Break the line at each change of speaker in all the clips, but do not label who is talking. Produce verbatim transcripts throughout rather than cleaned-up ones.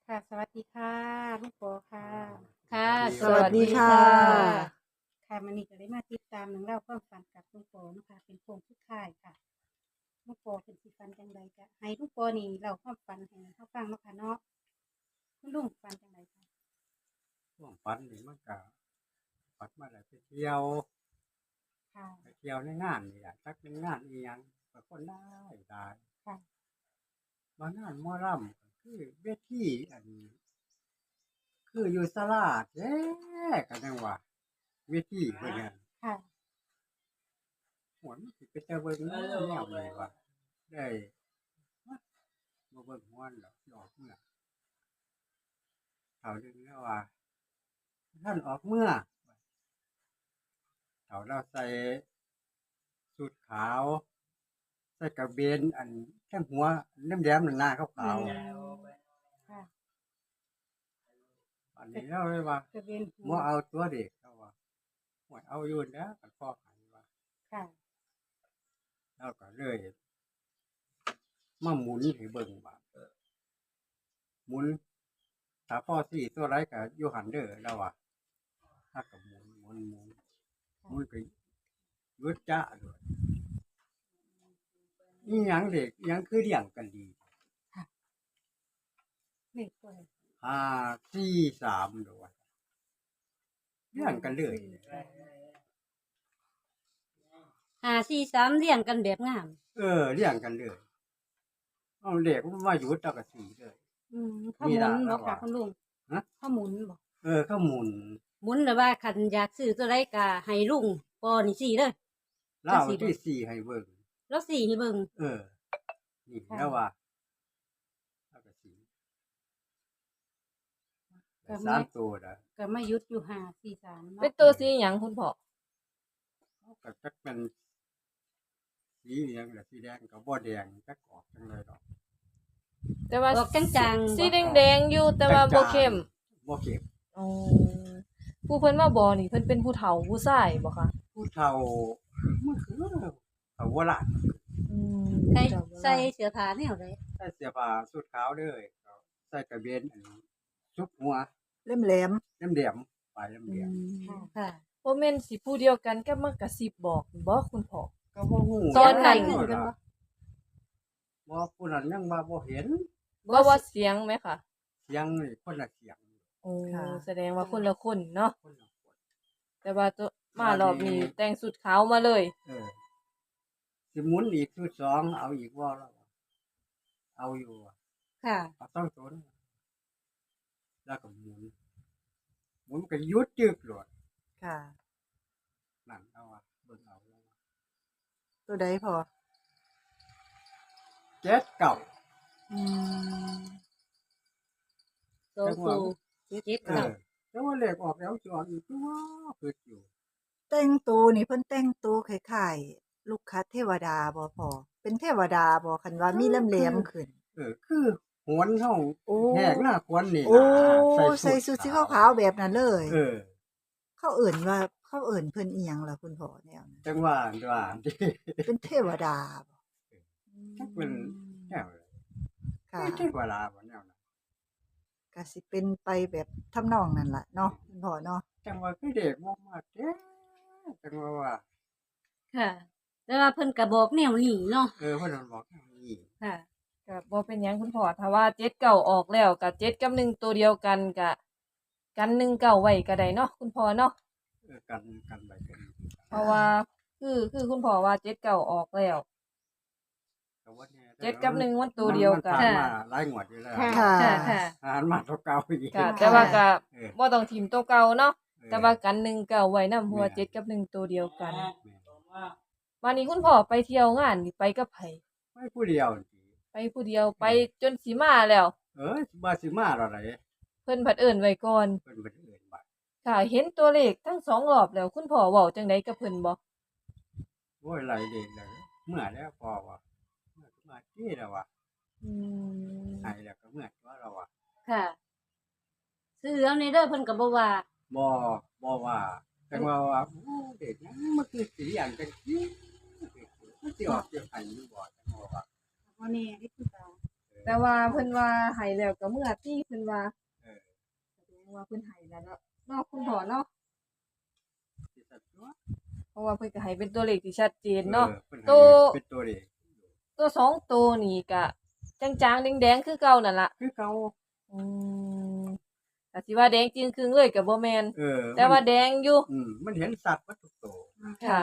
ค่ะสวัสดีค่ะลูกโปค่ะ
ค่ะ
ส
ส
วั
วั
ส
ส
ดี
ดี
ค่ะ
ค่ะ
ค่ะมันนี่ก็ได้มาติดตามหนังเล่าความฝันกับลูกโปนะคะเป็นโครงสุดท้ายค่ะลูกโปเป็นสิฟันจังใดจะให้ลูกโปนี่เล่าความฝันให้เขาฟังเนาะค่ะเนาะคุณลุงฝันจังใดคะ
ช่วงฝันนี่มันก็ฝันมาได้ไปเที่ยว
ค่ะ
ไปเที่ยวในงานนี่แหละจักเป็นงานอีหยังก็คนได้ได้
ค่ะ
บางงานหมอลำก็คือเวทีอันนี้คืออยู่ศาลาแท้ก็จังว่าเวทีเพิ่นนั่น
ค่ะ
หวนสิไปแต่เบิ่งแนวนี้ว่าได้บ่เบิ่งฮ้อนดอกสิออกเมื่อเขาดึงแล้วว่าท่านออกเมื่อเขาเราใส่สูทขาวใส่กระเบนอันทั้งหัวแหลมๆนั่นหน้าขาว
อืมค่ะ
ๆอันนี้เราเลยว่า
จะเป็นหั
บ่
ว
เอาตัวเด็กเขาว่าหวยเอาอยู่แล้วกันพ่อหันว่า
ค่ะ
แล้วก็เลยมาหมุนให้เบิ่งว่าหมุนถ้าพ่อสี่ตัวไรก็อยู่หันเด้อแล้วว่าถ้าก็หมุนหมุนหมุนหมุนก็ยุดจ้าด้วยนี่หยังเด็กหยังคือเลี้ยงกันดี
เลขตัว
ห้าสี่สามด้วยเลี้ยงกันเลย
ห้าสี่สามเรียงกันแบบงาม
เออเลี้ยงกันเลยเอาเด็กมันมาหยุดแล้วก็สีเลย
อืมข้อมูล
มี
บ
ด่า
อกค่ะ
แล้วว่ะ
คุณลุง
ฮะ
ข้อมูลบอก
เออเขาหมุน
หมุนหรือว่าคันอยากซื้อตัวใดก็ให้ลุงปอนี่สี่เด้อ
เล่าที่สี่ให้เบิ่ง
แล้วสี่ให้เบิ่ง
เออ นี่แล้วว่าแล้วก็สีได้สามตัวนะ
ก็มายุดอยู่ห้าสี่สามเนาะ
เป็นตัวสีหยังคุณพ่อ
เขาก็จักเป็นสีเหลืองหรือสีแดงก็บ่แดงจักออกจังเลยดอก
แต่ว่า
ออกจางๆ
สี
บ่
แดงๆอยู่แต่ว่าบ่เข้ม
บ่เข้ม
อ๋อผู้เพิ่นมาบอกนี่เพิ่นเป็นผู้เฒ่าผู้ชายบ่คะ
ผู้เฒ่ามันคือเขาโบราณ
อืม
ใส่
เฒ่าโบราณ
ใส่เสื้อผ้าแนวใด
ใส่เสื้อผ้าสุดขาวเด้อเขาใส่กระเบนอันนี้ชุบหัว
เล่มแหลม
เหลี่ยมๆปลายเห
อื
ลี่ยม
ม
ค่ะ
บ่แม่นสิผู้เดียวกันกับมากระซิบบอกบ่คุณพ่อ
ๆก็บ่ฮู้
ตอนนั้น
คือกันบ่
บ่ผู้นั้นยังว่าบ่เห็น
ว่าว่าเสียงไหมคะ
เสียงนี่คนละเสียง
โอ้แสดงว่าคนละคนเนาะ
คนละคน
แต่ว่าตัวมารอบนี้แต่งสุดขาวมาเลย
เออสิหมุนอีกชุดสองเอาอีกว่าแล้ววะเอาอยู่อะ
ค่ะ
เอาต้องตนแล้วก็หมุนหมุนก็ยุดจึกโลด
ค่ะ
นั่นเอาอะเบิ่งเอาแล้วอะ
ตัวใดพอ
เจ็ดเก่า
อืม
โซคูเจ็ด
เอ
เก้า
อแต่ว่าเลขออกแล้วจอดอีกตัวคืออยู่
แต่งตัวนี่เพิ่นแต่งตัวคล้ายๆลูกคัดเทวดาบ่พอ เป็นเทวดาบ่คันว่ามีเล่มแหลมขึ้น
เออ คือหวนเฮา
โอ้
แหกหน้าควนนี่
โอ้
นะ
ใส่สุดสีขาวๆแบบนั้นเลย
เออ
เขาเอิ่นว่าเขาเอิ่นเพิ่นอีหยังล่ะคุณพ่อแนวนั้น
จังว่าว่าที่
เป็นเทวดาบ่
จักเป็นแนวเลย
ค่ะ
ไม่ใช่เวลาบ่แนวนั้น
ก็สิเป็นไปแบบทำนองนั้นล่ะเนาะคุณพ่อเนาะ
จังว่าคือเด็กบ่มากแท้จังว่าว่า
ค่ะ แต่ว่าเพิ่นก็บอกแนวนี้เนาะ
เออเพิ่นบอกอย่างนี้
ค่ะ
ก็บ่เป็นหยังคุณพ่อถ้าว่าเจ็ดเก้าออกแล้วก็เจ็ดกับหนึ่งตัวเดียวกันก็กันหนึ่งเก้าไว้ก็ได้เนาะคุณพ่อเนาะ
เออกันกันไปกัน
เพราะว่าคือคือคุณพ่อว่าเจ็ดเก้าออกแล้ว
แต่ว่านี่
เจ็ดกับหนึ่งมันตัวเดียวกัน
มัผ่ามาหลายงวดอยู่แล้ว
ค่ะ
ค่ะ
ค่ะค่ะ
อ่านมาตัวเก่าอีก
ก็แต่ว่าก็
เออ
บ่ต้องทิมตัวเก่าเนาะ
เออ
แต่ว่ากันหนึ่งเก้าไว้นำเพราะว่า
แม่น
เจ็ดกับหนึ่งตัวเดียวกัน
แม่น
วันนี้คุณพ่อไปเที่ยวงานนี่ไปกับไผ
ไม่ผู้เดียวนี่
ไปผู้เดียวไปจนสิมาแล้ว
เออบ่สิมาดอกไหน
เพิ่นผัดเอิ้นไว้ก่อน
เพิ่นเพิ่นเอิ้นว่า
ค่ะเห็นตัวเลขทั้งสองรอบแล้วคุณพ่อเว้าจังไดกับเพิ่นบ่
โอ้ยไหลเด็กเลยเมื่อแล้วพอว่าเมื่อมาที่แล้วว่า
อืม
ให้แล้วก็เมื่อตัวเราว่า
ค่ะ ซื้อเอาในเด้อเพิ่นก็บ่ว่า
บ่บ่ว่าจังว่าว่าโอ้เด็กนั้นมันคือสิอย่างจังซี่มันสิออกเกี่ยวให้อยู่บ่จังว่าว่า
วันนี้ที่คุณตา
เออ
แต่ว่าเพิ่นว่าให้แล้วก็เมื่อที่เพิ่นว่า
เออ
แสดงว่าเพิ่นให้แล้วเนาะเนาะคุณพ่อเนาะ
สิสัตว์ตัว
เพราะว่าเพิ่นก็ให้เป็นตัวเลขที่ชัดเจนเนาะ
ออพิ่นให้
ตัว
เป็นตัวเลข
ตัวสองตัวนี่ก็จางๆแดงๆคือเก่านั่นล่ะ
คือเก่า
อืมก็สิว่าแดงจริงครึ่งเลยก็บ่แม่น
เออ
แต่ว่าแดงอยู่
อืมมันเห็นสัตว์วัตถุโต
ค่ะ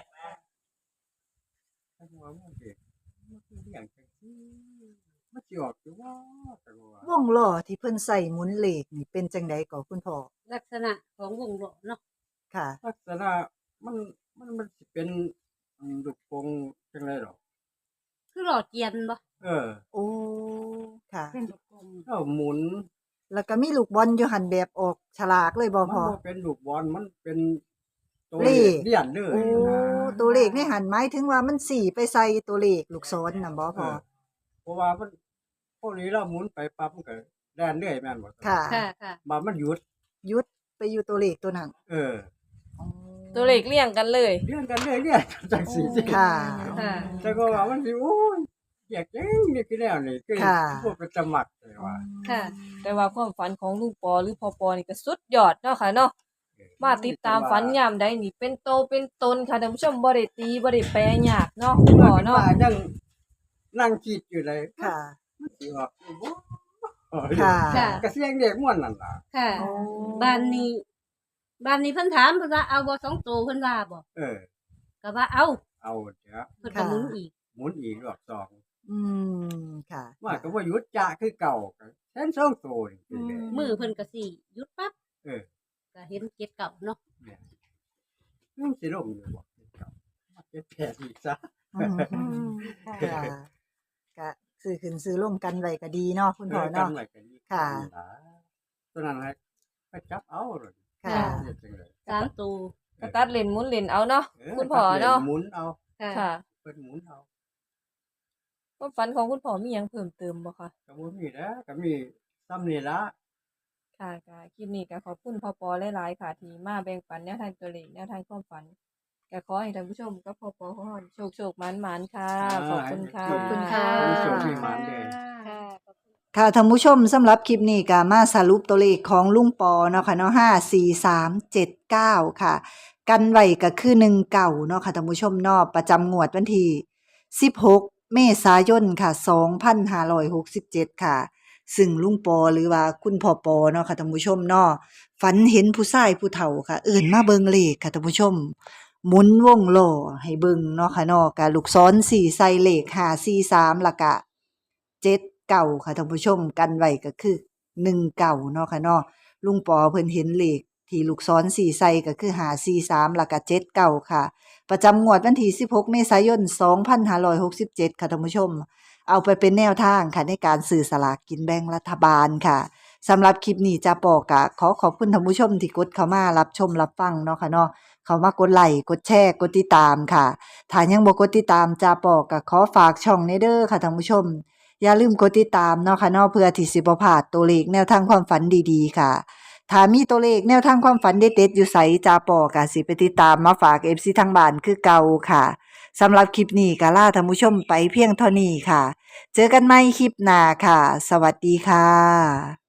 ถ้าว่ามันเด็กมันคือเรื่องจังซี่มันสิออกอยู่ว่าแต่ว่าว
งล้อที่เพิ่นใส่หมุนเลขนี่เป็นจังไดก็คุณพ่อ
ลักษณะของวงล้อเนาะ
ค่ะ
ลักษณะมันมันมันสิเป็นอืมลูกโป่งจังได๋ดอก
คือหล่อเกียนบ่
เออ
โอ้ค่ะ
เป็นลูกกลม
เอาหมุน
แล้วก็มีลูกบอลอยู่หันแบบออกฉลากเลยบ่
มัน
พ่อ
บ่เป็นลูกบอลมันเป็นตัว
เลข
เลียนเลย
โอ้
นะ
ตัวเลขในหันหมายถึงว่ามันสี่ไปใส่ตัวเลขลูกศรน่ะบ่
เอ
พ่อ
อเพราะว่ามันพวกนี้เราหมุนไปปั๊บมันก็แล่นเรื่อยแม่นบ่
ค่ะ
ค่ะค่ะ
มามันหยุด
หยุดไปอยู่ตัวเลขตัวนั้น
เออ
ตัวเลขเรียงกันเลย
เลื่อนกันเรื่อยเรื่อยจังซี่สิ
ค่ะ
ค่ะ
แต่ก็ว่ามันสิโอ้ยอยากจังนี่คือแล้วนี่คือ
ค่ะ
พวกเป็นสมัครเลยว่า
ค่ะ
แต่ว่าความฝันของลุงปอหรือพ่อปอนี่ก็สุดยอดเนาะค่ะเนาะ มาติดตามฝันยามใดนี่เป็นโตเป็นตนค่ะท่านผู้ชมบ่ได้ตีบ่ได้แปลยากเนาะคุณพ่อเนาะ
ว่ายังนั่งคิดอยู่เลย
ค่ะ
มันสิออกอยู่บ่
ค่ะ
ค่ะ
ก็เสียงเด็กม่วนนั่นล่ะ
ค่ะ
โอ้
บ้านนี้บ้านนี้เพิ่นถามเพิ่นว่าเอาบ่สองตัวเพิ่นว่าบ่
เออ
ก็ว่าเอา
เอาเดี๋ยว
เพิ่นก็หมุนอีก
หมุนอีกรอบสอง
อืมค่ะ
ว่าก็บ่หยุดจะคือเก่าก็แทนสองตัวนี่คือเลย
มือเพิ่นก็สิหยุดปั๊บ
เออ
ก็เห็นเจ็ดเก่าเนาะ
เนี่ยมันสิลงอยู่บ่เก่ามาเก็บแผลอีกซะ
อืม
อืมค่ะ
ค่ะก็ซื้อขึ้นซื้อลงกันไว้ก็ดีเนาะคุณพ่อ
เออกั
เนาะ
ไว้กันอีก
ค่ะ
ตัวนั้นให้ไปจับเอาเลย
ค่ะ
เฮ็ดจังได๋
สามตัว
ก็ตัดเลนหมุนเลนเอาเนาะ
เออ
คุณพ่อเนาะ
หมุนเอา
ค่ะ
ค่ะ
เพิ่นหมุนเอา
ความฝันของคุณพ่อมีหยังเพิ่มเติมบ่คะ
ก็บ่มีแล้วก็มีซ้ำนี่ละ
ค่ะก็คลิปนี้ก็ขอบคุณพ่อปอหลายๆค่ะที่มาแบ่งปันแนวทางตัวเลขแนวทางความฝันก็ขอให้ท่านผู้ชมกับพ่อปอของเราโชคโชคๆหมานๆค่ะ ขอบคุณค่ะ
ขอบคุณค่ะ
มีโชคมีหมานเด้อ
ค่ะ
ค่ะท่านผู้ชมสำหรับคลิปนี้ก็มาสรุปตัวเลขของลุงปอเนาะค่ะเนาะห้า สี่ สาม เจ็ด เก้าค่ะ กันไว้ก็คือหนึ่งเก้าเนาะค่ะท่านผู้ชมเนาะประจำงวดวันที่สิบหกเมษายนค่ะสองพันห้าร้อยหกสิบเจ็ดค่ะ ซึ่งลุงปอหรือว่าคุณพ่อปอเนาะค่ะท่านผู้ชมเนาะฝันเห็นผู้ชายผู้เฒ่าค่ะ เอิ้นมาเบิ่งเลขค่ะท่านผู้ชม หมุนวงล้อให้เบิ่งเนาะค่ะเนาะกะลูกศรสี่ใส่เลขห้า สี่ สามแล้วก็เจ็ด เก้าค่ะท่านผู้ชมกันไว้ก็คือหนึ่งเก้าเนาะค่ะเนาะลุงปอเพิ่นเห็นเลขที่ลูกศรสี่ใส่ก็คือห้า สี่ สามแล้วก็เจ็ด เก้าค่ะ ประจำงวดวันที่สิบหกเมษายนสองพันห้าร้อยหกสิบเจ็ดค่ะท่านผู้ชม เอาไปเป็นแนวทางค่ะในการซื้อสลากกินแบ่งรัฐบาลค่ะสำหรับคลิปนี้จะปอกะขอขอบคุณท่านผู้ชมที่กดเข้ามารับชมรับฟังเนาะค่ะเนาะเข้ามากดไลค์กดแชร์กดติดตามค่ะถ้ายังบ่กดติดตามจะปอกะขอฝากช่องในเด้อค่ะท่านผู้ชม อย่าลืมกดติดตามเนาะค่ะเนาะเพื่อที่สิบ่พลาดตัวเลขแนวทางความฝันดีๆค่ะถ้ามีตัวเลขแนวทางความฝันเด็ดๆอยู่ไสจาปอกะสิไปติดตามมาฝาก เอฟ ซี ทางบ้านคือเก่าค่ะสำหรับคลิปนี้ก็ลาท่านผู้ชมไปเพียงเท่านี้ค่ะ เจอกันใหม่คลิปหน้าค่ะ สวัสดีค่ะ